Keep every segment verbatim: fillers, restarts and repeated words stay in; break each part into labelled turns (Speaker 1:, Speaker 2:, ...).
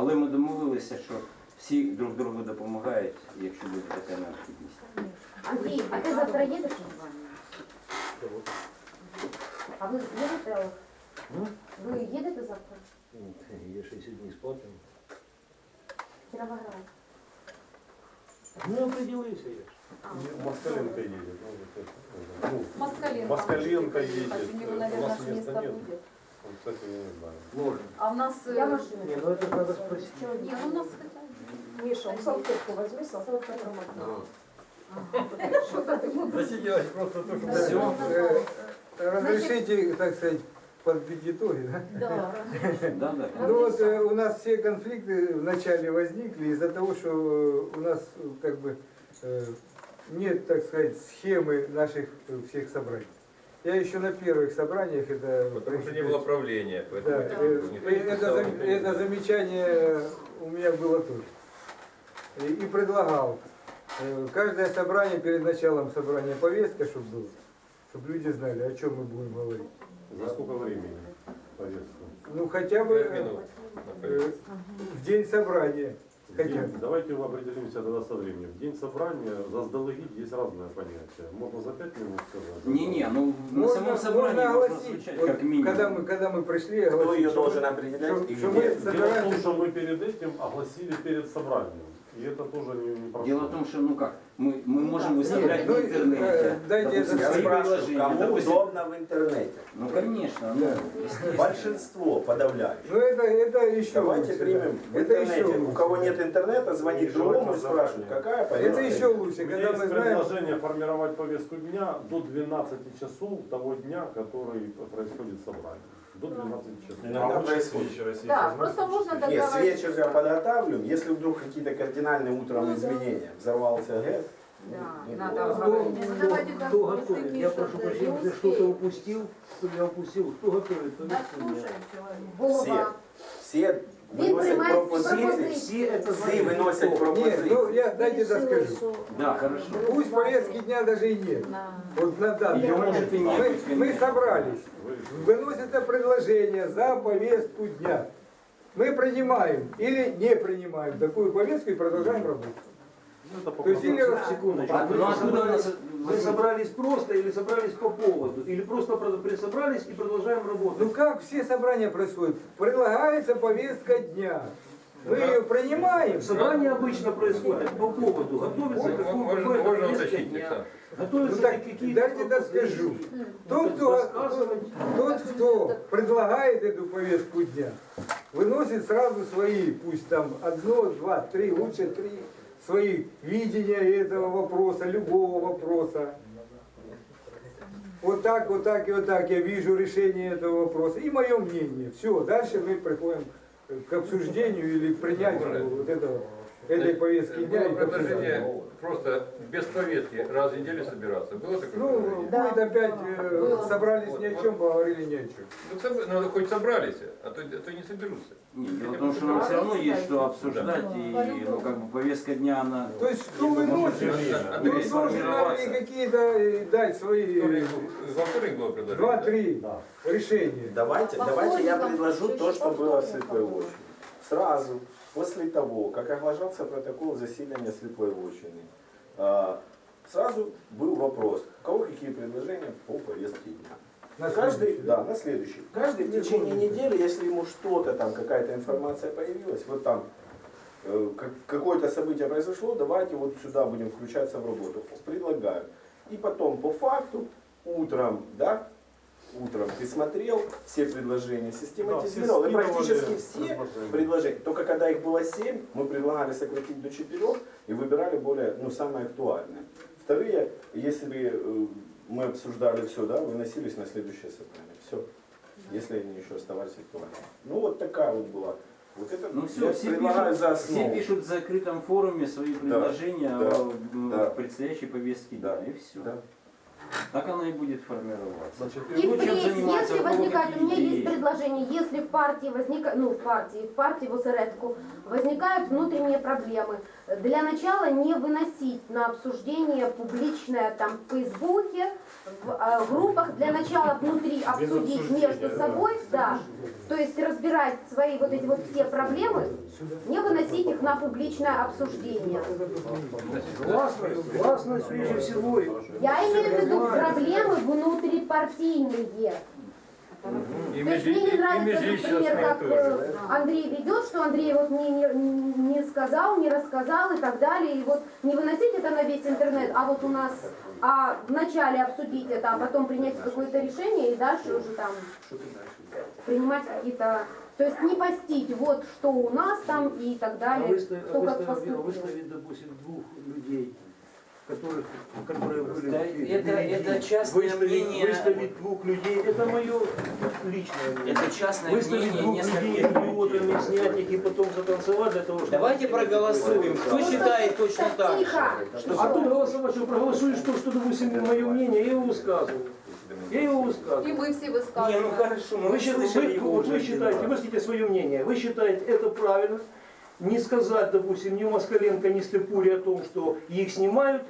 Speaker 1: Але ми домовилися, що всі друг другу допомагають, якщо буде така необхідність.
Speaker 2: Андрій, а ти завтра їдеш? А ви їдете? Ви їдете завтра?
Speaker 3: Я шестьдесят дней смотрим.
Speaker 2: Кіровоград.
Speaker 3: Ну, определился я.
Speaker 4: Москаленко едет. Ну,
Speaker 5: Москаленко.
Speaker 4: Москаленко едет.
Speaker 5: У него,
Speaker 4: У
Speaker 5: наверное,
Speaker 4: нас
Speaker 5: место
Speaker 4: места нет.
Speaker 5: будет.
Speaker 4: Он, кстати, я не знаю.
Speaker 3: Можно.
Speaker 5: А у нас... э,
Speaker 2: Я машину.
Speaker 3: Не, ну это надо спросить.
Speaker 5: Не, ну у нас хотя бы.
Speaker 2: Миша, салфетку возьми, салфетку промотай.
Speaker 6: Засиделась просто то, что...
Speaker 1: Все.
Speaker 6: Э, Разрешите, так сказать, подбить итоги, да?
Speaker 5: Да.
Speaker 1: Да, да.
Speaker 6: Ну вот э, у нас все конфликты вначале возникли из-за того, что э, у нас э, как бы э, нет, так сказать, схемы наших э, всех собраний. Я еще на первых собраниях это...
Speaker 7: Потому что не было правления, поэтому
Speaker 6: Да,
Speaker 7: это,
Speaker 6: э,
Speaker 7: никто
Speaker 6: э,
Speaker 7: не
Speaker 6: это,
Speaker 7: писал,
Speaker 6: зам-
Speaker 7: никто не
Speaker 6: это
Speaker 7: знал.
Speaker 6: замечание у меня было тоже. И, и предлагал. э, Каждое собрание, перед началом собрания повестка, чтобы было, чтобы люди знали, о чем мы будем говорить.
Speaker 4: За сколько времени повестку?
Speaker 6: Ну хотя бы
Speaker 7: Пять минут.
Speaker 6: э, в день собрания.
Speaker 4: В
Speaker 6: Хотя
Speaker 4: день- Давайте определимся тогда со временем. В день собрания заздалегидь есть разное понятие. Можно за пять минут сказать?
Speaker 1: Не-не, ну на
Speaker 6: Можно-
Speaker 1: самом собрании
Speaker 6: можно
Speaker 1: можно
Speaker 6: огласить.
Speaker 1: звучать
Speaker 6: Вот
Speaker 1: как минимум.
Speaker 6: Когда мы, когда мы пришли,
Speaker 8: Кто
Speaker 6: огласить,
Speaker 8: ее
Speaker 6: что
Speaker 8: должен
Speaker 6: мы-
Speaker 8: определять
Speaker 6: что-
Speaker 8: и
Speaker 6: что
Speaker 8: где?
Speaker 6: мы
Speaker 4: Дело в том,
Speaker 6: собираемся-
Speaker 4: что мы перед этим огласили перед собранием. И это тоже не, не прошло.
Speaker 1: Дело в том, что, ну как, мы, мы можем выставлять
Speaker 6: Ну,
Speaker 1: в
Speaker 6: э,
Speaker 1: интернете.
Speaker 6: дайте
Speaker 1: допустим,
Speaker 6: это
Speaker 8: Я
Speaker 1: свои
Speaker 8: спрашиваю,
Speaker 1: предложения,
Speaker 8: кому
Speaker 1: допустим.
Speaker 8: удобно в интернете?
Speaker 1: Ну конечно, ну,
Speaker 6: Да.
Speaker 1: естественно.
Speaker 8: Большинство подавляющее.
Speaker 6: Ну это, это еще
Speaker 8: Давайте
Speaker 6: лучше.
Speaker 8: примем
Speaker 6: да.
Speaker 8: в
Speaker 6: Это еще
Speaker 8: интернете. У
Speaker 6: лучше.
Speaker 8: кого нет интернета, звонит
Speaker 4: Еще
Speaker 8: другому и
Speaker 4: это
Speaker 8: спрашивает,
Speaker 4: заранее.
Speaker 8: какая повестка.
Speaker 6: Это еще лучше,
Speaker 4: У меня
Speaker 6: когда
Speaker 4: есть
Speaker 6: мы знаем...
Speaker 4: предложение формировать повестку дня до двенадцати часов того дня, который происходит собрание. До двенадцати часов.
Speaker 8: Иногда происходит.
Speaker 5: Да, просто можно
Speaker 8: Нет, с
Speaker 5: договориться.
Speaker 8: вечера подготавливаем. Если вдруг какие-то кардинальные утром
Speaker 5: Ну, да.
Speaker 8: изменения, взорвался ГЭС,
Speaker 5: Да,
Speaker 8: ну,
Speaker 5: надо
Speaker 8: ну,
Speaker 5: говорить.
Speaker 3: Кто,
Speaker 5: Ну, давайте
Speaker 3: кто
Speaker 5: как
Speaker 3: готовит?
Speaker 5: такие
Speaker 3: Я
Speaker 5: что-то
Speaker 3: прошу прощения,
Speaker 5: не
Speaker 3: если что-то
Speaker 5: успеем.
Speaker 3: упустил, что я упустил. Кто готовит?
Speaker 5: Да,
Speaker 3: повестку дня?
Speaker 5: слушаем человека.
Speaker 2: Вова.
Speaker 8: все
Speaker 2: Він
Speaker 8: выносят
Speaker 2: приймає
Speaker 8: пропозиции,
Speaker 2: пропозиції.
Speaker 3: Все это
Speaker 8: все
Speaker 3: знают.
Speaker 8: выносят
Speaker 6: Нет, ну
Speaker 8: пропозиции.
Speaker 6: я дайте доскажу.
Speaker 1: Да, хорошо.
Speaker 6: Пусть повестки дня даже и нет.
Speaker 5: На-
Speaker 6: Вот на данный
Speaker 1: Её
Speaker 6: момент.
Speaker 1: может и не
Speaker 6: мы,
Speaker 1: быть,
Speaker 6: мы
Speaker 1: конечно.
Speaker 6: собрались. Выносится предложение за повестку дня. Мы принимаем или не принимаем такую повестку и продолжаем работать.
Speaker 4: Ну, это по
Speaker 6: То есть или
Speaker 4: процессу.
Speaker 6: раз-
Speaker 3: Секундочку.
Speaker 1: А,
Speaker 3: Вы
Speaker 1: ну откуда у нас...
Speaker 3: Вы собрались просто или собрались по поводу? Или просто про- присобрались и продолжаем работать?
Speaker 6: Ну как все собрания происходят? Предлагается повестка дня. Мы ее принимаем.
Speaker 3: Собрание обычно происходит по поводу. Готовится какую-
Speaker 7: Можно,
Speaker 3: какое-то
Speaker 7: можно
Speaker 3: повестка
Speaker 7: уточнить,
Speaker 3: дня.
Speaker 7: Александр.
Speaker 3: Готовятся
Speaker 6: Ну так,
Speaker 3: какие-то
Speaker 6: дайте доскажу.
Speaker 3: пропозиции.
Speaker 6: Тот, кто,
Speaker 3: Рассказывать.
Speaker 6: тот, кто предлагает эту повестку дня, выносит сразу свои, пусть там одно, два, три, лучше три, свои видения этого вопроса, любого вопроса. Вот так, вот так и вот так я вижу решение этого вопроса. И мое мнение. Все, дальше мы приходим к обсуждению или к принятию вот этого, этой повестки дня.
Speaker 7: Было
Speaker 6: и к обсуждению.
Speaker 7: предложение просто без повестки раз в неделю собираться. Было такое
Speaker 6: Ну,
Speaker 7: предложение?
Speaker 2: Да.
Speaker 6: будет опять, э,
Speaker 2: Было.
Speaker 6: собрались ни о чем, поговорили ни о чем.
Speaker 7: Ну, соб- надо хоть собрались, а то, а то не соберутся.
Speaker 1: Нет, дело в том, что нам все равно есть что обсуждать, и ну, как бы повестка дня, она...
Speaker 6: То есть, кто выносит, ну,
Speaker 7: Андрей,
Speaker 6: должен нам и какие-то э, дать свои
Speaker 7: Вторник- Во вторник было предложение. да?
Speaker 6: два-три решения.
Speaker 8: Давайте,
Speaker 2: По
Speaker 8: давайте я
Speaker 2: вторникам,
Speaker 8: предложу
Speaker 2: еще
Speaker 8: то,
Speaker 2: по
Speaker 8: что было в
Speaker 2: вторникам.
Speaker 8: Слепой Вотчине. Сразу после того, как оглашался протокол заседания Слепой Вотчины, а, сразу был вопрос, у кого какие предложения по повестке дня.
Speaker 6: На
Speaker 8: Каждый,
Speaker 6: следующий,
Speaker 8: да, на следующий. Каждый в течение недели, если ему что-то там, какая-то информация появилась, вот там э, как- какое-то событие произошло, давайте вот сюда будем включаться в работу. Предлагаю. И потом по факту, утром, да, утром ты смотрел все предложения, систематизировал,
Speaker 4: Да,
Speaker 8: и
Speaker 4: все
Speaker 8: практически
Speaker 4: скидывали
Speaker 8: все
Speaker 4: предложения.
Speaker 8: предложения. Только когда их было семь, мы предлагали сократить до четырех и выбирали более, ну, самые актуальные. Вторые, если э, мы обсуждали все, да, выносились на следующее собрание. Все. Если они еще оставались актуальными. Ну вот такая вот была. Вот это
Speaker 1: Ну
Speaker 8: я
Speaker 1: все, все
Speaker 8: предлагаю
Speaker 1: пишут,
Speaker 8: за
Speaker 1: все
Speaker 8: основу.
Speaker 1: пишут в закрытом форуме свои предложения
Speaker 8: да,
Speaker 1: о м,
Speaker 8: да.
Speaker 1: предстоящей повестке
Speaker 8: Да,
Speaker 1: дня, и все.
Speaker 8: да.
Speaker 1: Так оно и будет формироваться.
Speaker 4: Значит,
Speaker 2: И
Speaker 1: Ну, чем
Speaker 2: впредь,
Speaker 1: заниматься,
Speaker 2: если
Speaker 1: у кого
Speaker 2: возникает, у
Speaker 1: какие
Speaker 2: меня
Speaker 1: идеи?
Speaker 2: есть предложение, если в партии возникает, ну в партии, в партии в осередку возникают внутренние проблемы, для начала не выносить на обсуждение публичное там в Фейсбуке, в э, группах, для начала внутри обсудить между собой, да, то есть разбирать свои вот эти вот все проблемы, не выносить их на публичное обсуждение.
Speaker 3: Гласность, гласность прежде всего.
Speaker 2: Я имею в виду проблемы внутрипартийные.
Speaker 7: И
Speaker 2: То есть мне не нравится, например,
Speaker 7: межличностные
Speaker 2: как
Speaker 7: тоже.
Speaker 2: э, Андрей ведет, что Андрей вот мне не, не сказал, не рассказал и так далее. И вот не выносить это на весь интернет, а вот у нас а вначале обсудить это, а потом принять какое-то решение и дальше уже там принимать какие-то... То есть не постить вот что у нас там и так
Speaker 3: А
Speaker 2: далее,
Speaker 3: выставить,
Speaker 2: кто как
Speaker 3: выставить,
Speaker 2: поступил.
Speaker 3: выставить, допустим, двух людей, которых, которые были...
Speaker 1: Да, это- это частное
Speaker 3: выставить,
Speaker 1: мнение.
Speaker 3: Выставить двух людей, это мое личное мнение.
Speaker 1: Это частное
Speaker 3: Выставить
Speaker 1: мнение
Speaker 3: двух людей
Speaker 1: нескольких людей.
Speaker 3: идиотами, снять их и потом затанцевать для того, чтобы...
Speaker 9: Давайте проголосуем. Кто считает точно так же?
Speaker 2: Тихо!
Speaker 3: А тут голосовать, что проголосуешь то, что, допустим, мое мнение, я его высказываю. Я его
Speaker 5: И
Speaker 3: высказываю.
Speaker 5: мы все
Speaker 9: Не, ну
Speaker 5: высказываем.
Speaker 9: хорошо, мы
Speaker 3: Вы, счит-
Speaker 9: слышали
Speaker 3: вы-
Speaker 9: его
Speaker 3: вот
Speaker 9: уже.
Speaker 3: вы считаете, выскажите свое мнение, вы считаете это правильно, не сказать, допустим, ни Москаленко, ни Степуре о том, что их снимают,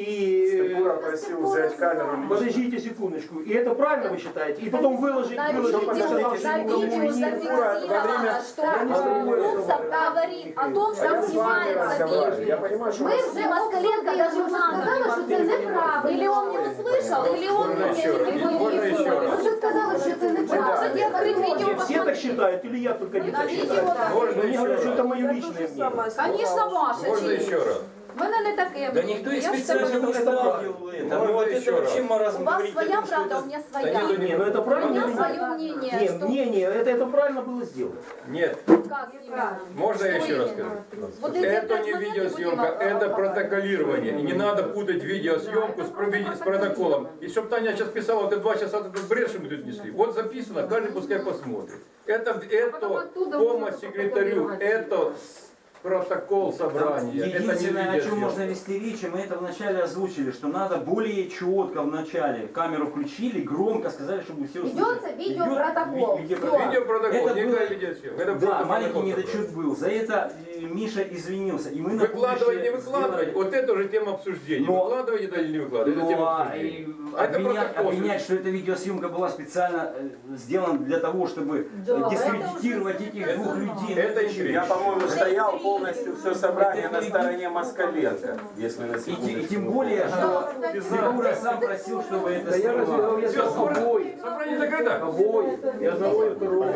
Speaker 3: и...
Speaker 8: Степура просил взять камеру.
Speaker 3: Подождите секундочку, и это правильно вы считаете? И потом выложить,
Speaker 5: На
Speaker 3: выложить,
Speaker 5: видео,
Speaker 3: не сказав,
Speaker 5: на
Speaker 3: что никому
Speaker 5: видео
Speaker 3: не
Speaker 5: зафиксировано, что
Speaker 3: Я не знаю,
Speaker 5: Румцев говорит о том,
Speaker 8: А
Speaker 5: что
Speaker 8: я с вами
Speaker 5: снимается
Speaker 8: разговариваю.
Speaker 5: видео.
Speaker 8: Я понимаю, что
Speaker 2: Ми
Speaker 8: вас-
Speaker 2: вже Москаленко даже вже сказала, що це неправильно.
Speaker 5: Или он не услышал, или он
Speaker 7: Можно еще раз? Можно еще
Speaker 2: Ми
Speaker 7: раз?
Speaker 2: вже сказали, що це неправильно.
Speaker 5: Может, я открыть видео
Speaker 3: Не, все так
Speaker 5: посмотреть?
Speaker 3: считают, или я только не
Speaker 5: На
Speaker 3: так
Speaker 5: видео
Speaker 3: считаю?
Speaker 5: так.
Speaker 7: Можно
Speaker 3: Мне
Speaker 7: еще
Speaker 3: говорят, что
Speaker 7: раз?
Speaker 3: это мое личное мнение.
Speaker 5: Конечно, ваше.
Speaker 7: Можно
Speaker 5: честь.
Speaker 7: еще раз?
Speaker 5: В мене не таке.
Speaker 9: Да никто их
Speaker 5: Я ж
Speaker 9: специально
Speaker 5: тебе-
Speaker 9: не ставил это.
Speaker 7: Можно
Speaker 9: Ну вот
Speaker 7: еще
Speaker 9: это вообще
Speaker 7: раз?
Speaker 9: маразм
Speaker 5: У вас
Speaker 9: говорить о
Speaker 5: своя
Speaker 9: том, что
Speaker 5: правда,
Speaker 9: это-
Speaker 5: у меня
Speaker 7: Да
Speaker 5: своя.
Speaker 7: нет,
Speaker 3: Не, ну это
Speaker 5: У
Speaker 3: правильно
Speaker 5: меня
Speaker 3: или нет?
Speaker 5: свое мнение.
Speaker 3: Нет,
Speaker 5: что-
Speaker 3: мнение, это, это правильно было сделано.
Speaker 7: Нет.
Speaker 5: Как именно?
Speaker 7: Можно я
Speaker 5: Что
Speaker 7: еще раз
Speaker 5: именно?
Speaker 7: скажу?
Speaker 5: Вот эти
Speaker 7: Это
Speaker 5: пять
Speaker 7: не
Speaker 5: моментов
Speaker 7: видеосъемка,
Speaker 5: будем,
Speaker 7: это
Speaker 5: а,
Speaker 7: протоколирование. И не надо путать видеосъемку с, прови- с протоколом. И чтобы Таня сейчас писала, вот это два часа этот бред, что мы тут несли. Вот записано, каждый пускай посмотрит. Это, это помощь секретарю, это протокол собрания. Это не
Speaker 1: Единственное, о чем
Speaker 7: видеосъемка.
Speaker 1: можно вести речь, и мы это вначале озвучили, что надо более четко вначале камеру включили, громко сказали, чтобы все услышали.
Speaker 2: Ведется видеопротокол.
Speaker 1: Идет ви- видеопротокол.
Speaker 2: Всё.
Speaker 7: Видеопротокол,
Speaker 1: Это
Speaker 7: никакая
Speaker 1: было-
Speaker 7: видеосъемка. Это
Speaker 1: Да,
Speaker 7: просто
Speaker 1: маленький
Speaker 7: протокол
Speaker 1: недочет был. За это э, Миша извинился. И мы на
Speaker 7: Выкладывать, не
Speaker 1: будущее
Speaker 7: выкладывать,
Speaker 1: сделали-
Speaker 7: вот это уже тема обсуждения.
Speaker 1: Но-
Speaker 7: Выкладывать это или не выкладывать, это
Speaker 1: Ну,
Speaker 7: тема
Speaker 1: а,
Speaker 7: обсуждения.
Speaker 1: и
Speaker 7: А это
Speaker 1: обвинять,
Speaker 7: протокол.
Speaker 1: обвинять, что эта видеосъемка была специально э, сделана для того, чтобы
Speaker 5: Да,
Speaker 1: э,
Speaker 5: это
Speaker 1: дискредитировать
Speaker 5: уже
Speaker 1: этих двух людей.
Speaker 7: Это
Speaker 1: Ну,
Speaker 7: интрига.
Speaker 8: Я, по-моему, стоял полностью все собрание
Speaker 1: Это
Speaker 8: на
Speaker 1: не-
Speaker 8: стороне Москаленко, если на
Speaker 1: И, те- и
Speaker 8: секундочку.
Speaker 1: тем более, что Фигура сам просил, чтобы это
Speaker 3: Да я
Speaker 1: снимали.
Speaker 3: разве я
Speaker 7: Все,
Speaker 3: сказал обои,
Speaker 7: собрание закрыто.
Speaker 3: обои, и одного и второго.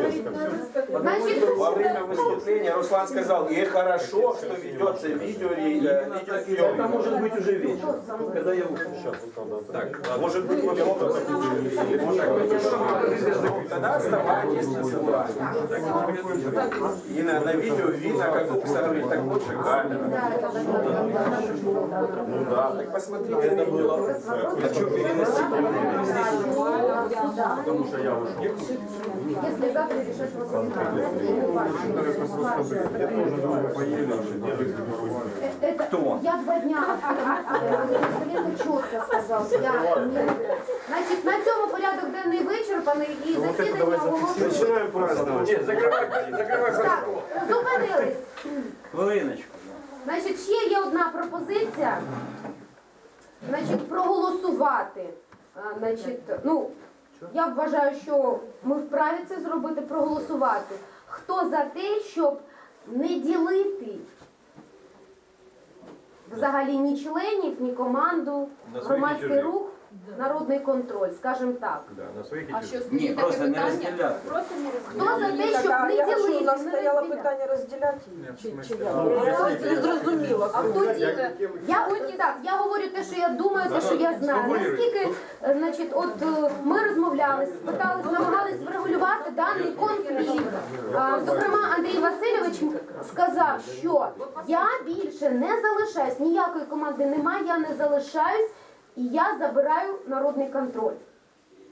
Speaker 2: Значит,
Speaker 8: Во время выступления Руслан сказал, и хорошо, что ведется видео, э,
Speaker 3: Это
Speaker 8: видеосъемка.
Speaker 3: может быть уже вечер, когда я ушел.
Speaker 4: Сейчас, вот надо
Speaker 7: Так,
Speaker 8: Может быть, вот это тогда оставайтесь на собрании. И на, на видео видно, как Уксарович, так лучше камера. Ну да, так посмотрите. Это было.
Speaker 1: А что переносить?
Speaker 4: Потому что я вышел.
Speaker 2: если завтра решать это,
Speaker 1: Кто?
Speaker 2: я два дня Москаленко четко сказав. Я не... Значить, на цьому порядок денний вичерпаний і засідання оголошую.
Speaker 8: Начинаем праздновать.
Speaker 7: нет, закрывай, закрывай
Speaker 2: Так,
Speaker 7: протокол.
Speaker 2: зупинились.
Speaker 1: Хвилиночку.
Speaker 2: Значить, ще є одна пропозиція. Значить, проголосувати. А, Значить, ну, я вважаю, що ми вправі це зробити, проголосувати. Хто за те, щоб не ділити взагалі ні членів, ні команду,
Speaker 7: На своїх і
Speaker 2: громадський
Speaker 7: чужих.
Speaker 2: рух, народний контроль, скажімо так.
Speaker 7: Да, на своих и
Speaker 5: А
Speaker 7: чужих.
Speaker 5: що
Speaker 1: Ні,
Speaker 5: стоїть
Speaker 1: просто
Speaker 5: таке
Speaker 1: не
Speaker 5: питання?
Speaker 1: розділяти.
Speaker 5: Просто не
Speaker 2: Хто за те,
Speaker 5: розділяти.
Speaker 2: щоб
Speaker 10: а
Speaker 2: не
Speaker 10: я що,
Speaker 2: ділити,
Speaker 10: у нас
Speaker 2: не
Speaker 10: стояло
Speaker 2: розділяти?
Speaker 10: питання розділяти її? Чи, чи як?
Speaker 4: Ну,
Speaker 10: Я щось не зрозуміла.
Speaker 5: А хто діти?
Speaker 2: Я так, я говорю те, що я думаю, те, що я знаю. Наскільки, е, значить, от е, ми розмовляли, питались, намагались врегулювати даний конфлікт. А, Зокрема, Андрій Васильович сказав, що я більше не залишаюсь, ніякої команди немає, я не залишаюсь, і я забираю народний контроль.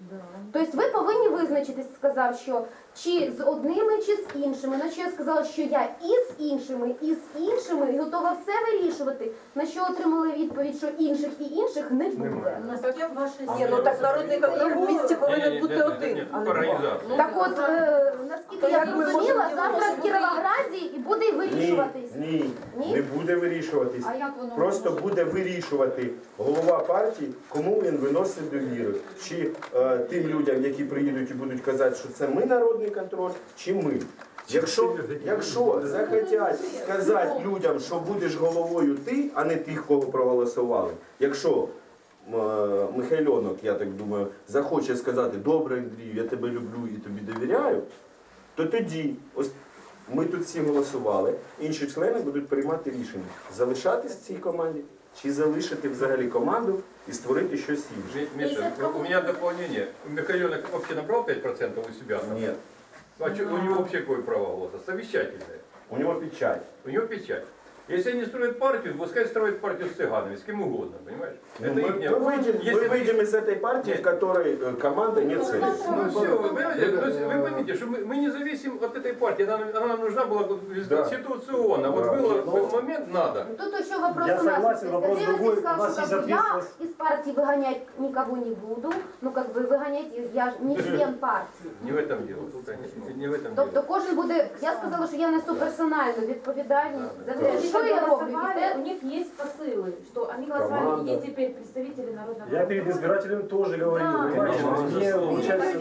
Speaker 2: Тобто ви повинні визначитись, сказав, що чи з одними, чи з іншими. На що я сказала, що я і з іншими, і з іншими, і готова все вирішувати. На що отримали відповідь, що інших і інших не буде.
Speaker 10: Ні, ну так народний контроль в місті повинен бути один, а не два.
Speaker 7: Організація.
Speaker 2: Так от, е, наскільки я
Speaker 10: як ми
Speaker 2: зрозуміла,
Speaker 10: можемо
Speaker 2: завтра в
Speaker 10: ділитися?
Speaker 2: Кіровограді і буде й
Speaker 8: Ні,
Speaker 2: вирішуватись.
Speaker 8: ні,
Speaker 2: Ні?
Speaker 8: не буде вирішуватись.
Speaker 5: А як воно
Speaker 8: Просто
Speaker 5: може?
Speaker 8: буде вирішувати голова партії, кому він виносить довіру. Чи е, тим людям, які приїдуть і будуть казати, що це ми народний контроль, чи ми. Якщо, якщо захотять сказати людям, що будеш головою ти, а не тих, кого проголосували, якщо е, Михайльонок, я так думаю, захоче сказати, добре, Андрію, я тебе люблю і тобі довіряю, то тоді, ось ми тут всі голосували, інші члени будуть приймати рішення, залишатись в цій команді, чи залишити взагалі команду і створити щось інше.
Speaker 7: Ми- Миша, у меня дополнение. Михайлёнок вообще набрал пять процентов у себя?
Speaker 8: Ні,
Speaker 7: А чё, у него вообще какое право голоса? Совещательное.
Speaker 8: у нього печать.
Speaker 7: У него печать. Если они строят партию, пускай строят партию с цыганами, с кем угодно, понимаешь?
Speaker 8: Ну,
Speaker 7: Это
Speaker 8: мы,
Speaker 7: их
Speaker 8: мы выйдем, мы
Speaker 7: Если-
Speaker 8: выйдем из этой партии, в которой э, команда не целится.
Speaker 7: Ну все, вы понимаете, то есть вы поймите, что мы, мы не зависим от этой партии, она, она нам нужна была
Speaker 8: Да.
Speaker 7: конституционно. Вот
Speaker 8: Да.
Speaker 7: был
Speaker 8: Но-
Speaker 7: был момент, надо.
Speaker 2: Тут еще вопрос
Speaker 11: Я
Speaker 2: у нас.
Speaker 11: согласен,
Speaker 2: То есть
Speaker 11: вопрос
Speaker 2: Андрей
Speaker 11: другой.
Speaker 2: Васильевич сказал,
Speaker 11: У нас
Speaker 2: что
Speaker 11: есть
Speaker 2: как бы я
Speaker 11: ответственность.
Speaker 2: из партии выгонять никого не буду. Ну как бы выгонять их, я ж не член партії.
Speaker 7: Не в этом дело. Не, не в этом
Speaker 2: Тобто
Speaker 7: дело.
Speaker 2: кожен буде, я сказала, що я несу персональну відповідальність за те, що я роблю. І те,
Speaker 12: У них есть посылы, что они голосовали,
Speaker 8: Команда.
Speaker 12: и теперь представители народного
Speaker 11: Я перед избирателем тоже говорил,
Speaker 12: Да.
Speaker 11: понимаете, мне получается...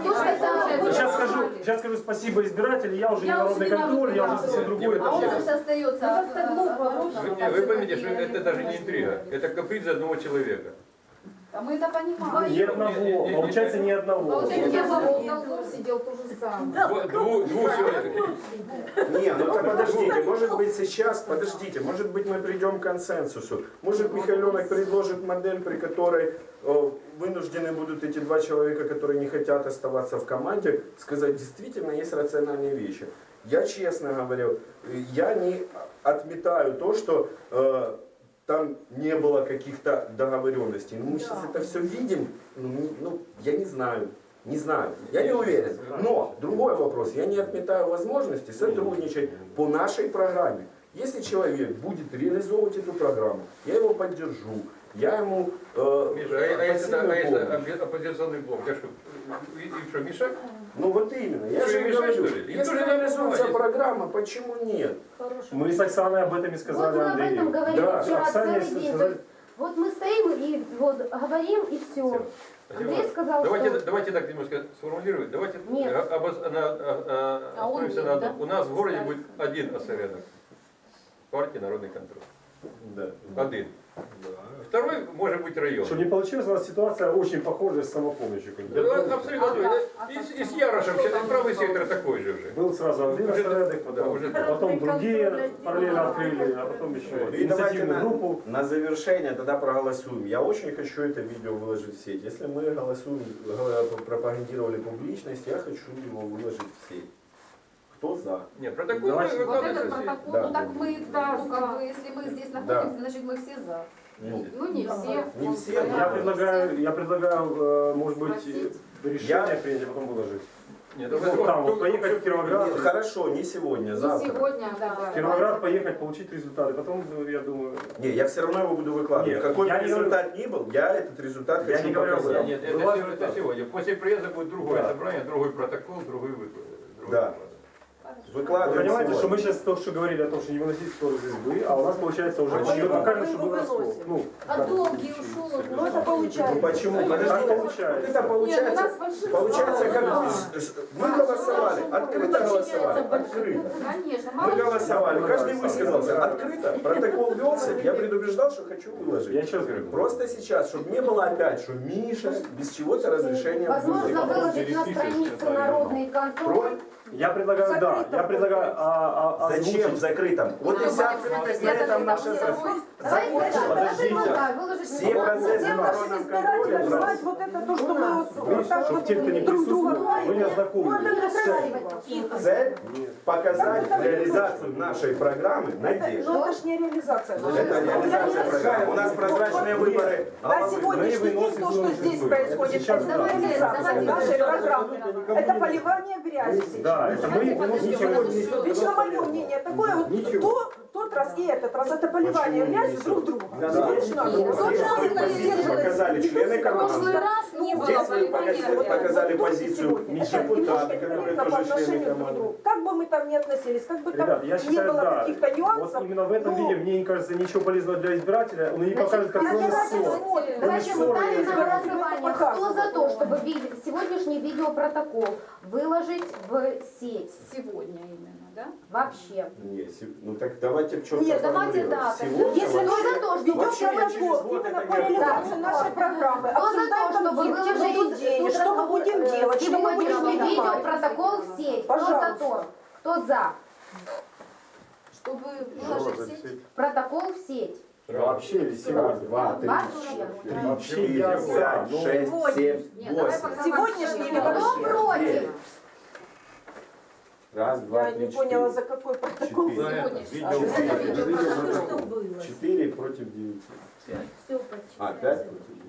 Speaker 11: Сейчас скажу, сейчас скажу спасибо избирателю, я уже не
Speaker 12: Я
Speaker 11: народный
Speaker 12: уже не
Speaker 11: контроль, я уже
Speaker 12: народный
Speaker 11: совсем другой.
Speaker 5: А он
Speaker 11: это
Speaker 5: же остается.
Speaker 12: Ну, как-то глупо.
Speaker 7: Вы, не, вы поймите, что это даже не интрига, это каприз одного человека.
Speaker 5: А мы это понимаем.
Speaker 11: Ни одного, получается ни одного.
Speaker 5: Получается, я в долгу сидел то же самое.
Speaker 7: Дво- двух, двух человек.
Speaker 8: Не, ну так подождите, может быть сейчас, подождите, может быть мы придем к консенсусу. Может Михайлёнок предложит модель, при которой э, вынуждены будут эти два человека, которые не хотят оставаться в команде, сказать, действительно есть рациональные вещи. Я честно говорю, я не отметаю то, что э, там не было каких-то договоренностей. Ну, мы сейчас это все видим, ну, не- ну, я не знаю. Не знаю, я не уверен. Но другой вопрос, я не отметаю возможности сотрудничать по нашей программе. Если человек будет реализовывать эту программу, я его поддержу, я ему э,
Speaker 7: Миша, а, а если,
Speaker 8: посильную
Speaker 7: а если
Speaker 8: помощь.
Speaker 7: оппо- оппозиционный блок, я что, и, и что, мешать?
Speaker 8: Ну вот именно, я
Speaker 7: Что,
Speaker 8: же
Speaker 7: им
Speaker 8: и
Speaker 7: мешать,
Speaker 8: говорю,
Speaker 7: что ли? Им
Speaker 8: если
Speaker 7: тоже надо
Speaker 8: реализуется
Speaker 7: помогать.
Speaker 8: программа, почему нет?
Speaker 11: Мы с Оксаной об этом и
Speaker 2: вот
Speaker 11: сказали
Speaker 2: мы об этом
Speaker 11: Андрею.
Speaker 2: говорили
Speaker 8: Да,
Speaker 2: вчера
Speaker 11: Оксане
Speaker 2: целый день.
Speaker 11: сказали-
Speaker 2: Вот мы стоим и вот говорим и все. Андрей сказал,
Speaker 7: давайте,
Speaker 2: что...
Speaker 7: давайте так немножко сформулируем. Давайте
Speaker 2: Нет.
Speaker 7: э, обос- на- а- а-
Speaker 5: А он
Speaker 7: остановимся
Speaker 5: нет,
Speaker 7: на
Speaker 5: да?
Speaker 7: одном. У нас в городе будет один осеренок. Партия «Народный контроль».
Speaker 8: Да.
Speaker 7: Один. Второй может быть район.
Speaker 11: Чтобы не получилась у нас ситуация очень похожая с самопомощью.
Speaker 7: Да, абсолютно. И, с- и с Ярошем, сейчас правый сектор такой же уже.
Speaker 11: Был сразу один
Speaker 7: Уже-
Speaker 11: осередок,
Speaker 7: да,
Speaker 11: потом,
Speaker 7: уже-
Speaker 11: потом другие параллельно открыли, а потом еще
Speaker 8: И давайте
Speaker 11: инициативную
Speaker 8: на,
Speaker 11: группу.
Speaker 8: на завершение тогда проголосуем. Я очень хочу это видео выложить в сеть. Если мы голосуем, г- пропагандировали публичность, я хочу его выложить в сеть. Кто за?
Speaker 7: Нет, протокол
Speaker 11: Давайте.
Speaker 5: Вот этот
Speaker 7: выкладывается.
Speaker 5: протокол,
Speaker 8: Да.
Speaker 5: ну так мы, да, ну как бы, если мы здесь находимся, значит мы все за.
Speaker 8: Ну,
Speaker 5: Ну не все.
Speaker 8: не все,
Speaker 11: Я
Speaker 8: да.
Speaker 11: предлагаю, я предлагаю, э, может быть,
Speaker 5: Спросить.
Speaker 11: решение
Speaker 8: Я-
Speaker 11: принять, а потом выложить.
Speaker 7: Нет,
Speaker 11: Ну,
Speaker 7: давай-
Speaker 11: там вот поехать в Кировоград,
Speaker 8: Нет, хорошо, не сегодня,
Speaker 5: Не
Speaker 8: завтра.
Speaker 5: сегодня, да.
Speaker 11: в Кировоград поехать, получить результаты. Потом, ну, я думаю,
Speaker 8: Не, я все равно его буду выкладывать.
Speaker 11: Нет,
Speaker 8: Какой бы
Speaker 11: я не
Speaker 8: результат ни был, я этот результат
Speaker 11: Я
Speaker 8: хочу
Speaker 11: не говорю об
Speaker 8: показать.
Speaker 7: Нет, это,
Speaker 11: Бывает
Speaker 7: сегодня-
Speaker 11: так.
Speaker 7: это сегодня. После приезда будет другое
Speaker 8: Да.
Speaker 7: собрание, другой протокол, другой выклад. другой
Speaker 8: Да.
Speaker 7: выклад.
Speaker 11: вы
Speaker 8: Выкладываем
Speaker 11: понимаете, что
Speaker 8: сегодня.
Speaker 11: мы сейчас только что говорили о том, что не выносить ссоры из избы, а у нас получается уже
Speaker 8: Почему?
Speaker 11: почему покажем,
Speaker 10: Мы
Speaker 11: что
Speaker 10: его
Speaker 11: был раскол.
Speaker 10: выносим.
Speaker 11: Ну,
Speaker 5: А
Speaker 11: да.
Speaker 5: долгий ушел.
Speaker 10: Ну это
Speaker 8: Ну
Speaker 10: получается.
Speaker 8: почему?
Speaker 11: Так
Speaker 8: Подождите,
Speaker 11: получается.
Speaker 8: вот это получается,
Speaker 5: Нет, у нас большинство
Speaker 8: получается как
Speaker 5: да.
Speaker 8: вы- с- мы голосовали, открыто голосовали, открыто.
Speaker 5: Конечно,
Speaker 8: Мы
Speaker 5: мало ли
Speaker 8: голосовали,
Speaker 11: Ну,
Speaker 8: каждый
Speaker 11: да,
Speaker 8: высказался
Speaker 11: да.
Speaker 8: открыто, протокол велся, я предупреждал, что хочу
Speaker 11: Я
Speaker 8: выложить.
Speaker 11: еще раз говорю.
Speaker 8: Просто сейчас, чтобы не было опять, что Миша без чего-то разрешения
Speaker 2: Возможно,
Speaker 8: выложить.
Speaker 2: выложить на странице «Народный контроль».
Speaker 11: Я предлагаю, да, я предлагаю а, а,
Speaker 8: Зачем в
Speaker 11: озвучить.
Speaker 8: закрытом? Вот и вся открытость на этом наша задача.
Speaker 2: Давайте
Speaker 8: закончим.
Speaker 2: так, я
Speaker 8: Подождите.
Speaker 2: предлагаю выложить
Speaker 8: Все
Speaker 2: на
Speaker 8: процессы
Speaker 10: Всем
Speaker 8: в
Speaker 10: нашим
Speaker 8: народном
Speaker 10: избирателям
Speaker 8: контроле
Speaker 10: знать вот это то, что мы вот вот так
Speaker 4: Чтобы
Speaker 10: вот
Speaker 4: те, кто не
Speaker 10: друг друга
Speaker 4: присутствует, вы не
Speaker 10: знаем.
Speaker 4: ознакомились.
Speaker 10: Вот это красиво.
Speaker 8: Цель показать реализацию нашей программы «Надежда».
Speaker 10: Но это ж не реализация.
Speaker 8: Это реализация программы. У нас прозрачные выборы.
Speaker 10: На сегодняшний день то, что здесь происходит, это реализация нашей программы. Это поливание грязи.
Speaker 4: Да, это мы ничего не
Speaker 10: Лично мое мнение такое, вот то, тот раз и этот раз, это поливание грязи друг друга. Лично мое.
Speaker 8: Показали члены
Speaker 5: В прошлый
Speaker 8: команды.
Speaker 5: раз не было
Speaker 8: Здесь вы
Speaker 5: поливания.
Speaker 8: показали, показали
Speaker 10: Вот
Speaker 8: позицию
Speaker 10: сегодня. Это
Speaker 8: депутаты,
Speaker 10: немножко
Speaker 8: которые
Speaker 10: некорректно по
Speaker 8: тоже члены
Speaker 10: отношению друг к
Speaker 8: команды.
Speaker 10: другу. Как бы мы там ни относились, как бы там
Speaker 11: Ребят, я
Speaker 10: не
Speaker 11: считаю,
Speaker 10: было
Speaker 11: да.
Speaker 10: каких-то
Speaker 11: Вот
Speaker 10: нюансов.
Speaker 11: именно в этом
Speaker 10: ну,
Speaker 11: виде, мне не кажется, ничего полезного для избирателя. Он не покажет, как он ссор.
Speaker 2: Давайте мы ставим на
Speaker 10: Ссоры
Speaker 2: голосование. Кто за то, чтобы ви- сегодняшний видеопротокол выложить в сеть?
Speaker 5: Сегодня именно, да?
Speaker 2: Вообще.
Speaker 8: Не, се- ну так давайте четко
Speaker 2: Нет, давайте, да,
Speaker 8: Сегодня
Speaker 10: Если
Speaker 2: Кто
Speaker 10: мы
Speaker 2: за то, что
Speaker 10: ведем
Speaker 8: Вообще я через
Speaker 10: протокол
Speaker 8: год
Speaker 10: именно
Speaker 8: это
Speaker 10: по
Speaker 8: не
Speaker 10: реализации
Speaker 2: отдам.
Speaker 10: нашей программы,
Speaker 2: Кто за то,
Speaker 10: обсуждаем
Speaker 2: чтобы
Speaker 10: там, где
Speaker 2: выложить
Speaker 10: будут деньги,
Speaker 2: тут
Speaker 10: что мы
Speaker 2: разговор,
Speaker 10: будем
Speaker 2: э,
Speaker 10: делать, что мы будем
Speaker 2: сегодняшний
Speaker 10: делать.
Speaker 2: видеопротокол в сеть? Кто за
Speaker 10: Пожалуйста.
Speaker 2: то? Кто за?
Speaker 5: Чтобы выложить в сеть.
Speaker 2: Протокол в сеть.
Speaker 11: Вообще,
Speaker 8: Раз, два, три,
Speaker 2: Вообще.
Speaker 11: вообще я
Speaker 8: четыре,
Speaker 11: за.
Speaker 8: пять,
Speaker 11: Ну,
Speaker 8: шесть, семь,
Speaker 5: Нет, давай
Speaker 8: восемь.
Speaker 5: пока
Speaker 10: Сегодняшний или
Speaker 2: Кто
Speaker 10: вообще?
Speaker 2: против?
Speaker 8: Раз, два,
Speaker 10: Я
Speaker 8: три,
Speaker 10: не
Speaker 8: четыре.
Speaker 10: поняла, за какой протокол.
Speaker 8: Четыре.
Speaker 5: Сегодняшний.
Speaker 10: А,
Speaker 8: Видео- Четыре против девяти.
Speaker 12: Все
Speaker 8: А, пять против девяти.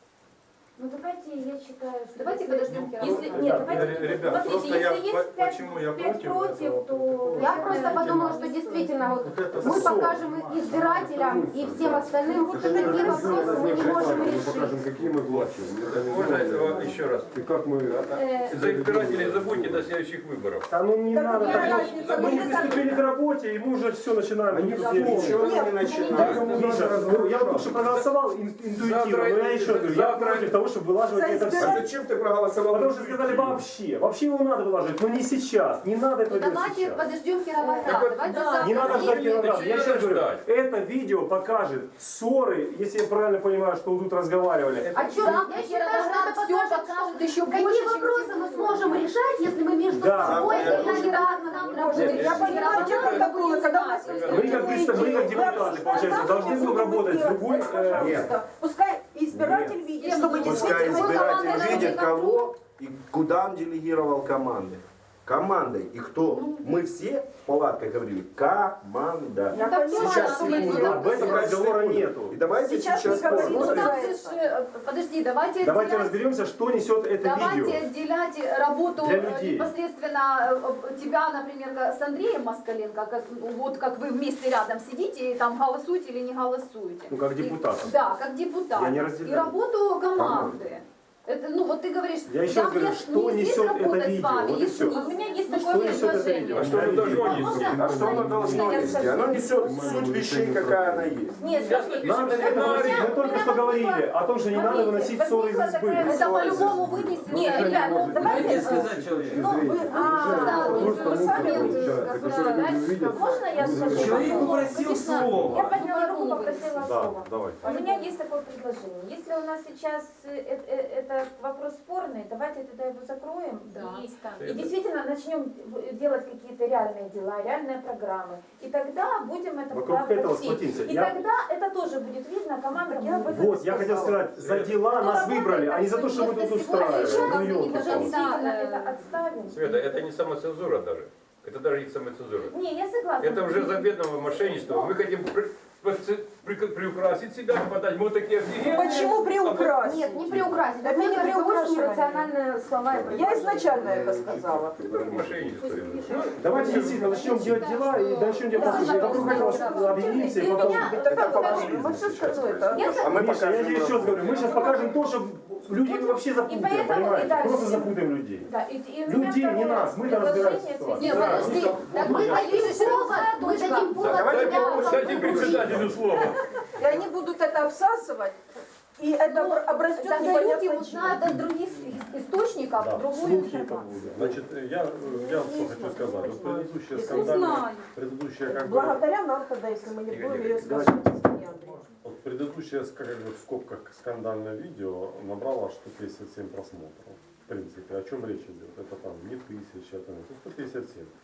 Speaker 12: Ну давайте, я считаю, что...
Speaker 5: Давайте подождем
Speaker 12: Если,
Speaker 5: Кирилла.
Speaker 12: нет, давайте,
Speaker 7: Ребят, ребят,
Speaker 12: смотрите,
Speaker 7: просто
Speaker 12: если
Speaker 7: я
Speaker 12: есть
Speaker 7: по-
Speaker 12: пять,
Speaker 7: почему я
Speaker 12: пять
Speaker 7: против
Speaker 12: против,
Speaker 7: этого
Speaker 12: то...
Speaker 7: протокола?
Speaker 2: Я просто подумала, что действительно вот мы покажем избирателям и всем остальным, вот какие вопросы мы не можем решить.
Speaker 7: какие мы власти. Можно этого еще раз?
Speaker 11: И как мы...
Speaker 12: Э,
Speaker 7: За избирателей забудьте до следующих выборов.
Speaker 11: Да ну не
Speaker 10: Так
Speaker 11: надо
Speaker 10: мне
Speaker 11: так.
Speaker 10: разница,
Speaker 11: Мы не
Speaker 10: мне
Speaker 11: приступили к работе, и мы уже все начинаем.
Speaker 8: Они
Speaker 11: тут
Speaker 8: ничего
Speaker 11: делать.
Speaker 8: не
Speaker 11: Так,
Speaker 8: начинают.
Speaker 11: Миша, ну, я вот только что проголосовал ин- интуитивно, но я еще говорю, я против того, чтобы вылаживать
Speaker 10: За
Speaker 11: это
Speaker 8: А
Speaker 11: все.
Speaker 8: зачем ты проголосовал?
Speaker 11: Потому что сказали вообще, вообще его надо вылаживать, но не сейчас, не надо
Speaker 5: Ну
Speaker 11: это делать
Speaker 5: давайте
Speaker 11: сейчас.
Speaker 5: подождем Кировоград. Давайте
Speaker 12: да.
Speaker 11: Не надо ждать Кировоград. Я
Speaker 7: не
Speaker 11: сейчас
Speaker 7: надо
Speaker 11: говорю,
Speaker 7: ждать.
Speaker 11: это видео покажет ссоры, если я правильно понимаю, что вы тут разговаривали.
Speaker 2: А что, я считаю, что это
Speaker 5: все
Speaker 2: покажет,
Speaker 5: покажет еще
Speaker 2: какие
Speaker 5: больше, чем
Speaker 2: вопросы мы сможем решать, если мы между
Speaker 11: Да.
Speaker 2: собой
Speaker 8: Да.
Speaker 2: элементарно нам работаем.
Speaker 10: Я понимаю, те протоколы, когда у нас есть
Speaker 11: Мы как,
Speaker 10: какие-то
Speaker 11: представ- мы как
Speaker 10: идеи,
Speaker 11: депутаты,
Speaker 10: мы
Speaker 11: получается,
Speaker 10: обсуждаем,
Speaker 11: должны
Speaker 10: что
Speaker 11: будем
Speaker 10: мы
Speaker 11: работать с
Speaker 10: делать.
Speaker 11: любой...
Speaker 10: Вот,
Speaker 11: э,
Speaker 10: пожалуйста, пускай избиратель видит, чтобы
Speaker 8: Пускай
Speaker 10: действительно...
Speaker 8: избиратель видит, кого и куда он делегировал команды. Командой. И кто? Мы все в палатках говорили, команда.
Speaker 10: Я понимаю,
Speaker 8: Сейчас
Speaker 10: что мы
Speaker 8: секунду.
Speaker 10: делаем.
Speaker 11: Об этом разговора нету.
Speaker 8: И давайте
Speaker 10: Сейчас
Speaker 8: сейчас,
Speaker 10: не говорится
Speaker 5: Ну
Speaker 8: посмотрим.
Speaker 5: там же ж, э, подожди, давайте
Speaker 11: Давайте
Speaker 5: отделять-
Speaker 11: разберемся, что несет это
Speaker 5: Давайте
Speaker 11: видео.
Speaker 5: отделять работу
Speaker 11: Для
Speaker 5: э,
Speaker 11: людей.
Speaker 5: непосредственно э, тебя, например, как с Андреем Москаленко, как, ну, вот как вы вместе рядом сидите и там голосуете или не голосуете.
Speaker 11: Ну, как
Speaker 5: И-
Speaker 11: депутатов.
Speaker 5: Да, как депутат.
Speaker 11: Я не
Speaker 5: И
Speaker 11: разделяю.
Speaker 5: работу команды. Это, ну вот ты говоришь,
Speaker 11: Я еще раз говорю,
Speaker 5: мне-
Speaker 11: что
Speaker 5: мне здесь
Speaker 11: несет это
Speaker 5: работать с
Speaker 11: видео,
Speaker 5: вами,
Speaker 11: вот и
Speaker 5: и
Speaker 11: всё.
Speaker 5: с ним.
Speaker 12: У меня есть
Speaker 11: Что
Speaker 12: такое
Speaker 11: несет это
Speaker 12: предложение.
Speaker 11: видео?
Speaker 7: А что оно должно нести?
Speaker 8: А что оно должно нести? Оно несет суть вещей, какая она есть.
Speaker 12: Нет, смотрите,
Speaker 11: Нам это говорили, мы только что говорили о том, что не надо выносить ссоры из избы.
Speaker 5: Это по-любому вынесено.
Speaker 12: Нет, ребят, ну давайте...
Speaker 1: Дайте сказать человеку.
Speaker 12: Ну, вы, а,
Speaker 11: Просто
Speaker 12: вы сами
Speaker 11: мусор
Speaker 12: вот,
Speaker 11: получается,
Speaker 12: как
Speaker 11: который
Speaker 12: бы,
Speaker 11: люди увидят.
Speaker 12: Можно я скажу?
Speaker 1: Человек
Speaker 12: Ну,
Speaker 1: попросил
Speaker 12: конечно,
Speaker 1: слова.
Speaker 12: Я подняла руку, попросила
Speaker 4: Да,
Speaker 12: слова.
Speaker 4: давай.
Speaker 12: У меня есть такое предложение. Если у нас сейчас э, э, э, этот вопрос спорный, давайте тогда его закроем
Speaker 5: Да,
Speaker 12: и,
Speaker 5: отставим.
Speaker 12: и действительно начнем в- делать какие-то реальные дела, реальные программы. И тогда будем это
Speaker 11: Вокруг
Speaker 12: туда
Speaker 11: этого
Speaker 12: вносить.
Speaker 11: сплотимся.
Speaker 12: И
Speaker 11: Я-
Speaker 12: тогда это тоже будет видно, команда я об этом
Speaker 11: Вот, я хотел сказать, за дела нас выбрали, а не за то, что мы тут устраиваем. Ну, ёлки-палки.
Speaker 12: Действительно, это отставим.
Speaker 7: Света, это не самоцензура даже. Это даже не самоцензура.
Speaker 12: Не, я согласна.
Speaker 7: Это уже заведомое мошенничество. Мы хотим при- при- при- приукрасить себя, подать. Мы вот такие офигенные.
Speaker 10: Почему приукрасить?
Speaker 2: Нет, не приукрасить.
Speaker 10: Это не
Speaker 2: Это очень
Speaker 10: приукрашивание.
Speaker 2: рациональные слова. и
Speaker 10: Я
Speaker 2: предложения.
Speaker 10: изначально это сказала.
Speaker 7: Это мошенничество. Ну,
Speaker 11: Давайте действительно начнем делать дела и начнем делать послушать. Вокруг этого объединимся и потом...
Speaker 10: Это популизм. Мы все скажу это.
Speaker 12: Я
Speaker 8: А мы
Speaker 11: Миша, я тебе еще раз
Speaker 8: покажем.
Speaker 11: говорю, мы сейчас покажем то, что люди вообще запутаем,
Speaker 12: поэтому и
Speaker 11: понимаете?
Speaker 12: дальше.
Speaker 11: Просто запутаем людей.
Speaker 12: Да, и, и у меня
Speaker 11: Людей не
Speaker 12: второе
Speaker 11: нас, мы-то разбираемся в
Speaker 12: предложение
Speaker 11: ситуации.
Speaker 5: Нет,
Speaker 12: связано-
Speaker 5: подожди. Так
Speaker 2: Мы
Speaker 5: мы
Speaker 2: дадим повод, мы дадим повод
Speaker 8: давайте
Speaker 2: тебя
Speaker 7: Дайте председателю слово.
Speaker 10: И они будут это обсасывать, и это
Speaker 5: Ну,
Speaker 10: обрастет
Speaker 5: тогда люди
Speaker 10: непонятно
Speaker 5: узнают
Speaker 10: чем.
Speaker 5: от других ис- источников
Speaker 4: Да,
Speaker 5: другую
Speaker 11: слухи это
Speaker 5: информацию.
Speaker 11: будут.
Speaker 4: Значит, я, я что хочу сказать. Вот предыдущая скандальная,
Speaker 5: Узнаю.
Speaker 4: предыдущая как бы,
Speaker 10: Благодаря нам тогда, если мы не
Speaker 7: Игорь
Speaker 10: будем ее
Speaker 7: Игоревич,
Speaker 10: сказать, извини, Андрей.
Speaker 4: вот предыдущее, как бы в скобках скандальное видео набрало сто пятьдесят семь просмотров. В принципе, о чем речь идет? Это там не тысяча, это сто пятьдесят семь.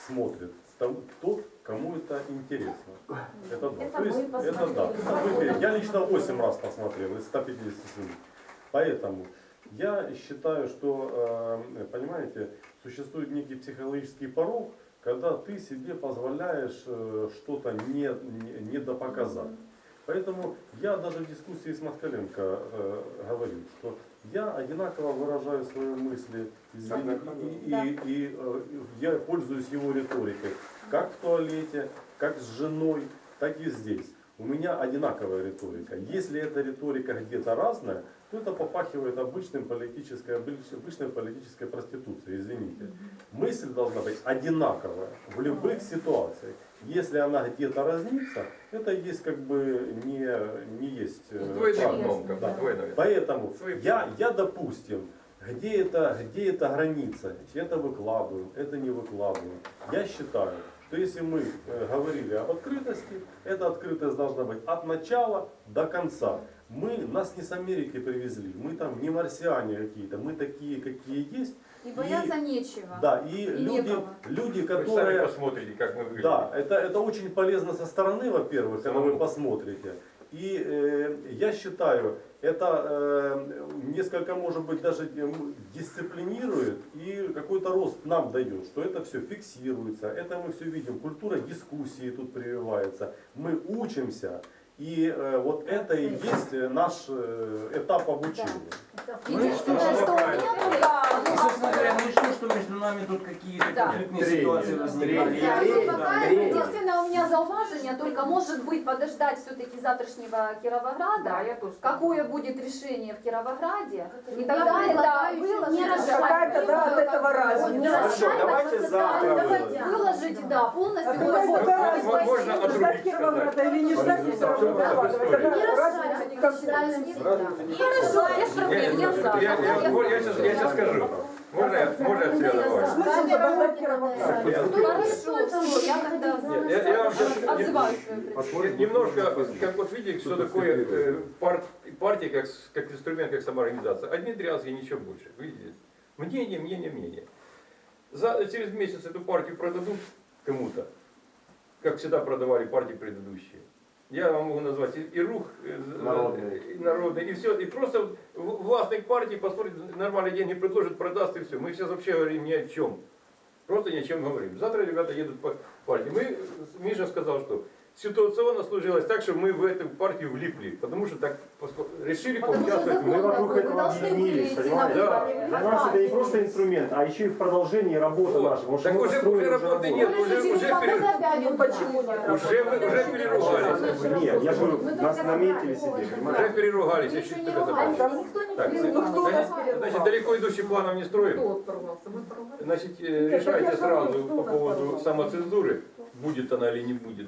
Speaker 4: смотрит там тот, кому это интересно. Это да.
Speaker 12: Это
Speaker 4: То есть,
Speaker 12: мы
Speaker 4: это да.
Speaker 12: посмотрели.
Speaker 4: Это выбери. Я лично восемь раз посмотрел из ста пятидесяти семь. Поэтому я считаю, что, э, понимаете, существует некий психологический порог, когда ты себе позволяешь э, что-то не, не, недопоказать. Поэтому я даже в дискуссии с Москаленко э, говорю, что я одинаково выражаю свои мысли, извини, и, и, и, и э, я пользуюсь его риторикой, как в туалете, как с женой, так и здесь. У меня одинаковая риторика. Если эта риторика где-то разная, то это попахивает обычным политической, обычной политической проституцией, извините. Мысль должна быть одинаковая в любых ситуациях. Если она где-то разнится, это есть как бы не, не есть э,
Speaker 7: Двойным дном, как бы,
Speaker 4: да.
Speaker 7: двойным.
Speaker 4: Поэтому
Speaker 7: Свои
Speaker 4: я, я, допустим, где это, где это граница, это выкладываем, это не выкладываем. Я считаю, что если мы э, говорили об открытости, эта открытость должна быть от начала до конца. Мы, нас не с Америки привезли, мы там не марсиане какие-то, мы такие, какие есть.
Speaker 5: И бояться нечего.
Speaker 4: Да, и,
Speaker 5: И
Speaker 4: люди,
Speaker 5: некого.
Speaker 4: люди,
Speaker 7: Вы сами
Speaker 4: которые...
Speaker 7: посмотрите, как мы выглядим.
Speaker 4: Да, это, это очень полезно со стороны, во-первых, когда вы посмотрите. И э, я считаю, это э, несколько, может быть, даже дисциплинирует и какой-то рост нам дает, что это все фиксируется, это мы все видим, культура дискуссии тут прививается, мы учимся. И э, вот это и есть наш э, этап обучения.
Speaker 5: Единственное, что у меня да,
Speaker 1: Ну, собственно говоря, ну и что, что между нами тут какие-то
Speaker 5: Да.
Speaker 1: конфликтные ситуации возникали?
Speaker 5: Да,
Speaker 1: Я-
Speaker 5: ну,
Speaker 1: да,
Speaker 5: пока
Speaker 1: я-
Speaker 5: единственное у меня зауважение, только может быть подождать все-таки завтрашнего Кировограда, какое будет решение в Кировограде, и тогда это выложить,
Speaker 2: не
Speaker 5: уже
Speaker 10: Какая тогда от этого разница?
Speaker 8: Хорошо, давайте завтра выложим.
Speaker 5: выложить, да, полностью
Speaker 10: А какая
Speaker 5: выложить.
Speaker 10: тогда
Speaker 7: Можно
Speaker 10: разница,
Speaker 7: отрубить,
Speaker 10: ждать Кировограда или не ждать, не все равно выкладывать. Тогда разница никакой.
Speaker 5: Хорошо, без проблем, я за.
Speaker 7: Я, я, я, я, сейчас, я сейчас скажу. Можно, я- можно я связываю?
Speaker 10: Смысл подождать Кировограда?
Speaker 5: Хорошо, все, я тогда
Speaker 7: Нет, я, я вам сейчас
Speaker 5: отзываю свое предложение.
Speaker 7: немножко, как вот видите, что такое э, пар- партия как, с- как инструмент, как самоорганизация. Одни дрязги, ничего больше. Видите? Мнение, мнение, мнение. За, через месяц эту партию продадут кому-то, как всегда продавали партии предыдущие. Я вам могу назвать и, и рух, э,
Speaker 8: Народный.
Speaker 7: и народный, и все. И просто в- властник партии посмотрит, нормальные деньги предложит, продаст и все. Мы сейчас вообще говорим ни о чем. Просто ни о чем говорим. Завтра ребята едут по партии. Мы, Миша сказал, что ситуационно сложилось так, что мы в эту партию влипли. Потому что так поско- решили
Speaker 5: Потому что
Speaker 7: поучаствовать.
Speaker 5: закон
Speaker 11: Мы вокруг
Speaker 5: такой, вы
Speaker 11: этого
Speaker 5: должны
Speaker 11: объединились,
Speaker 5: были идти
Speaker 11: понимаете?
Speaker 5: на
Speaker 7: Да.
Speaker 5: выборы.
Speaker 11: Для нас это не просто инструмент, а еще и в продолжении работы
Speaker 7: Вот.
Speaker 11: нашей. Потому что
Speaker 7: Так
Speaker 11: мы
Speaker 7: уже,
Speaker 11: построили
Speaker 7: уже работы нет,
Speaker 11: работу.
Speaker 7: уже, уже, пере-
Speaker 10: Ну почему нет?
Speaker 7: уже, мы- уже переругались.
Speaker 11: Нет, я же говорю, нас наметили себе,
Speaker 7: Уже
Speaker 11: понимаете?
Speaker 7: переругались, я чуть тебя забыл. Так,
Speaker 10: Ну кто нас
Speaker 7: значит,
Speaker 10: переругал?
Speaker 7: далеко идущих планов не строим. Значит, э, решайте сразу по поводу самоцензуры, будет она или не будет.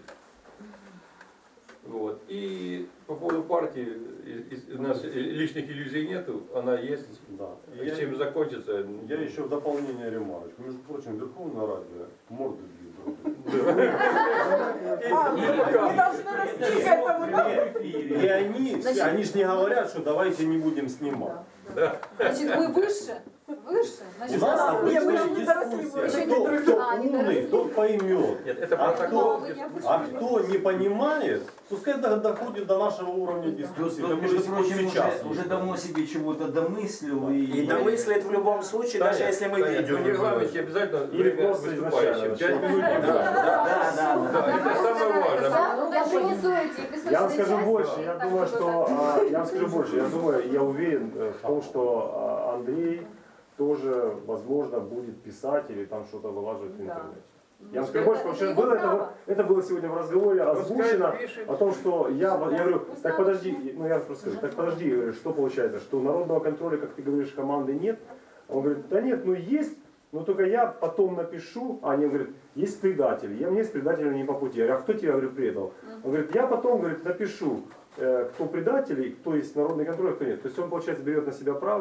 Speaker 7: Вот. И по поводу партии, и- и- у нас лишних иллюзий нету, она есть.
Speaker 4: Да.
Speaker 7: И
Speaker 4: Я-
Speaker 7: чем закончится?
Speaker 4: Я еще в дополнение ремарочку. Между прочим, Верховное радио морды бьют.
Speaker 10: А, мы должны расти к этому, да?
Speaker 4: И они, все, они же не говорят, что давайте не будем снимать.
Speaker 5: Значит, мы выше, выше.
Speaker 4: У
Speaker 5: Значит,
Speaker 4: нас
Speaker 5: да.
Speaker 10: не, мы
Speaker 4: обычная
Speaker 10: еще не доросли, мы
Speaker 4: дискуссия.
Speaker 10: еще не
Speaker 4: Кто,
Speaker 10: доросли.
Speaker 4: кто
Speaker 5: А, не
Speaker 4: умный,
Speaker 5: доросли.
Speaker 4: тот поймет.
Speaker 7: Нет, это
Speaker 4: А
Speaker 7: протокол.
Speaker 4: кто, а кто не понимает, пускай до- доходит до нашего уровня дискуссии.
Speaker 1: Тут,
Speaker 4: Как
Speaker 1: между
Speaker 4: уже
Speaker 1: прочим,
Speaker 4: сейчас.
Speaker 1: уже, уже давно себе чего-то домыслил. И,
Speaker 8: И домыслит в любом случае, даже если мы
Speaker 7: Конечно,
Speaker 8: видео
Speaker 7: в
Speaker 8: не
Speaker 7: регламенте
Speaker 8: выложим.
Speaker 7: обязательно
Speaker 11: Или
Speaker 7: время
Speaker 11: просто
Speaker 7: выступающим.
Speaker 11: изначально
Speaker 7: Пять минут.
Speaker 1: Да, да, да.
Speaker 7: Да, это самое важное.
Speaker 5: Да, я принесу эти песочные
Speaker 11: Я вам скажу
Speaker 5: части,
Speaker 11: больше, я
Speaker 5: так,
Speaker 11: думаю,
Speaker 5: чтобы
Speaker 11: что,
Speaker 5: так.
Speaker 11: а, я вам скажу больше, я думаю, я уверен э, в том, что а, Андрей тоже, возможно, будет писать или там что-то вылаживать в интернете. Я вам скажу больше, потому что было это, вот- это было сегодня в разговоре озвучено
Speaker 7: пишет.
Speaker 11: о том, что я, я говорю, так подожди, ну я просто скажу, так подожди, я говорю, что получается, что народного контроля, как ты говоришь, команды нет? Он говорит, да нет, ну есть, но только я потом напишу, а они говорят, есть предатели, я мне с предателями не по пути. Я говорю, а кто тебя, говорю, предал? Он говорит, я потом, говорит, напишу, э, кто предатели, кто есть народный контроль, а кто нет. То есть он, получается, берет на себя право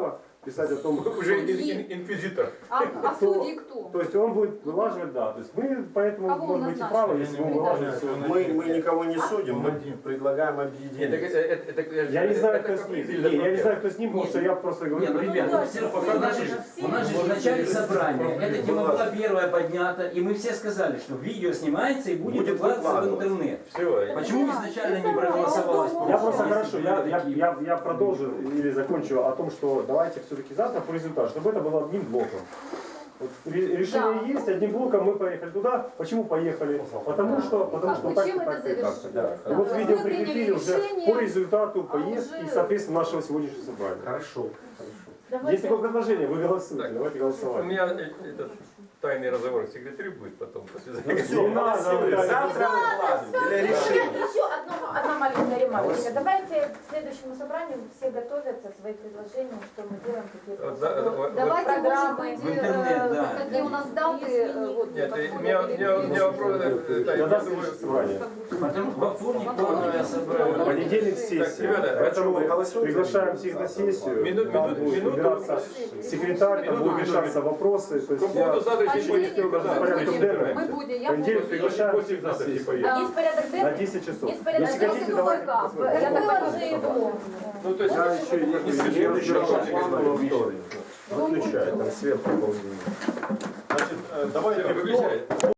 Speaker 11: писать о том,
Speaker 7: Уже
Speaker 11: что-
Speaker 7: ин- ин- инквизитор.
Speaker 5: А, а
Speaker 11: кто-
Speaker 5: судьи кто?
Speaker 11: То есть он будет вылаживать, да. То есть мы поэтому
Speaker 5: Кого он
Speaker 11: можем быть и
Speaker 5: назначит?
Speaker 11: правы, если он вылаживает все.
Speaker 8: Мы, мы никого не судим, мы предлагаем
Speaker 7: Нет, так
Speaker 8: объединиться.
Speaker 7: это- это- это-
Speaker 11: Я не знаю,
Speaker 7: это
Speaker 11: кто с
Speaker 7: каприз
Speaker 11: ним.
Speaker 7: или
Speaker 11: Не, я не
Speaker 7: это
Speaker 11: знаю, кто с ним, потому что я просто говорю.
Speaker 1: Нет, ну, ребята, ну, все, у нас же, у нас же в начале собрания эта тема была первая поднята, и мы все сказали, что видео снимается и будет,
Speaker 8: Будет
Speaker 1: выкладываться в
Speaker 8: выкладываться.
Speaker 1: интернет.
Speaker 7: Все.
Speaker 1: Почему изначально не проголосовалось?
Speaker 11: Я просто
Speaker 1: против,
Speaker 11: хорошо,
Speaker 1: если
Speaker 11: я,
Speaker 1: были
Speaker 11: я,
Speaker 1: такие?
Speaker 11: я, я продолжу или закончу о том, что давайте все-таки завтра по результату, чтобы это было одним блоком. Вот ре- решение
Speaker 5: Да.
Speaker 11: есть, одним блоком мы поехали туда. Почему поехали? Потому что, потому
Speaker 5: Как
Speaker 11: что
Speaker 5: бы
Speaker 11: так,
Speaker 5: чем
Speaker 11: так,
Speaker 5: это
Speaker 11: так, так,
Speaker 5: завершилось?
Speaker 11: да.
Speaker 5: Да.
Speaker 11: Вот
Speaker 5: Мы
Speaker 11: видео
Speaker 5: приняли
Speaker 11: прикрепили уже
Speaker 5: решение,
Speaker 11: по результату
Speaker 5: а
Speaker 11: поездки и,
Speaker 5: уже-
Speaker 11: соответственно, нашего сегодняшнего собрания.
Speaker 8: Хорошо.
Speaker 11: Есть такое предложение, вы голосуете,
Speaker 7: Так,
Speaker 11: давайте
Speaker 7: У
Speaker 11: голосовать.
Speaker 7: меня э, этот тайный разговор с секретарем будет потом. после
Speaker 8: Ну
Speaker 7: записи.
Speaker 8: все,
Speaker 11: Не надо,
Speaker 8: голосуем.
Speaker 11: да,
Speaker 8: Завтра выкладываем для решения.
Speaker 12: Еще одно, одна маленькая ремарка. Давайте к следующему собранию все готовятся, свои предложения, что мы делаем, какие
Speaker 7: Вот за- вот- вот-
Speaker 5: Давайте, может
Speaker 12: программы.
Speaker 5: быть,
Speaker 1: В интернет,
Speaker 5: э,
Speaker 1: да.
Speaker 5: какие у нас даты, э, вот,
Speaker 7: Нет,
Speaker 5: подходят
Speaker 7: у меня, у меня, у меня вопрос, э, да, я
Speaker 11: Когда
Speaker 7: думаю,
Speaker 11: следующее собрание?
Speaker 1: Потому во вторник плановое
Speaker 11: В
Speaker 1: собрание.
Speaker 11: понедельник сессия.
Speaker 7: ребята,
Speaker 11: Поэтому
Speaker 8: мы голосуем?
Speaker 11: приглашаем всех на сессию.
Speaker 7: Минут-
Speaker 11: Там
Speaker 7: минут-
Speaker 11: будет
Speaker 7: минуту.
Speaker 11: выбираться секретарь, там
Speaker 7: Минуту,
Speaker 11: будут решаться вопросы. То
Speaker 7: По
Speaker 11: есть
Speaker 7: поводу
Speaker 11: я
Speaker 7: завтрашней
Speaker 5: Понедельник,
Speaker 7: поездки,
Speaker 11: да,
Speaker 5: мы
Speaker 11: порядком
Speaker 5: будем,
Speaker 11: денного.
Speaker 5: мы будем, я
Speaker 11: Понедельник
Speaker 5: буду.
Speaker 11: приглашаем
Speaker 7: после
Speaker 11: на
Speaker 7: завтрашней
Speaker 11: сессию.
Speaker 7: поездки.
Speaker 12: Есть порядок
Speaker 11: На
Speaker 12: денный?
Speaker 11: десять часов.
Speaker 12: Есть порядок
Speaker 11: Если
Speaker 12: денный?
Speaker 11: хотите,
Speaker 5: Если
Speaker 11: давайте
Speaker 5: только,
Speaker 11: посмотрим.
Speaker 5: я так
Speaker 12: Выложи его.
Speaker 7: Ну, то есть,
Speaker 8: Я еще не
Speaker 7: не
Speaker 8: следующий
Speaker 7: следующий
Speaker 8: план
Speaker 7: раз.
Speaker 8: во вторник. Выключай, там сверху ползунок.
Speaker 4: Значит, э, давайте
Speaker 7: Выключай.